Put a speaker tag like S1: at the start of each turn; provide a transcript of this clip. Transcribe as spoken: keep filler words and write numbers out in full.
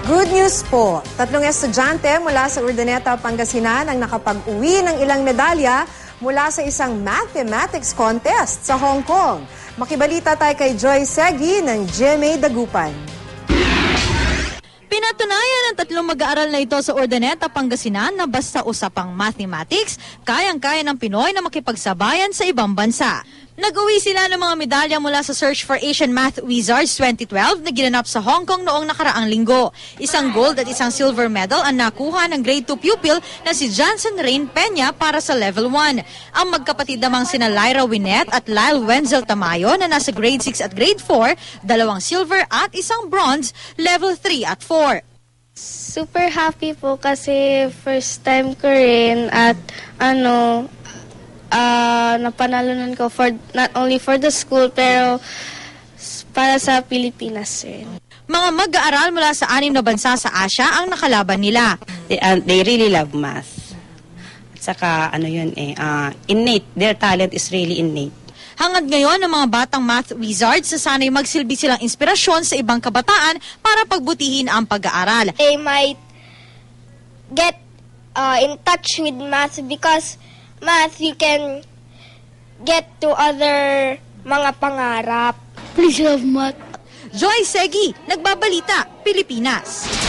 S1: Good news po. Tatlong estudyante mula sa Urdaneta, Pangasinan ang nakapag-uwi ng ilang medalya mula sa isang mathematics contest sa Hong Kong. Makibalita tayo kay Joy Segi ng G M A Dagupan.
S2: Pinatunayan ng tatlong mag-aaral na ito sa Urdaneta, Pangasinan na basta usapang mathematics, kayang-kaya ng Pinoy na makipagsabayan sa ibang bansa. Nag-uwi sila ng mga medalya mula sa Search for Asian Math Wizards twenty twelve na ginanap sa Hong Kong noong nakaraang linggo. Isang gold at isang silver medal ang nakuha ng grade two pupil na si Johnson Rain Peña para sa level one. Ang magkapatid namang sina Lyra Winnet at Lyle Wenzel Tamayo na nasa grade six at grade four, dalawang silver at isang bronze, level three at four.
S3: Super happy po kasi first time ko rin at ano, uh, napanalunan ko for not only for the school pero para sa Pilipinas rin.
S2: Mga mag-aaral mula sa anim na bansa sa Asia ang nakalaban nila.
S4: They, uh, they really love math. At saka ano yun eh, uh, innate. Their talent is really innate.
S2: Hangad ngayon ng mga batang math wizards sa sana'y magsilbi silang inspirasyon sa ibang kabataan para pagbutihin ang pag-aaral.
S5: They might get uh, in touch with math because math you can get to other mga pangarap.
S3: Please love math.
S2: Joy Segi, Nagbabalita, Pilipinas.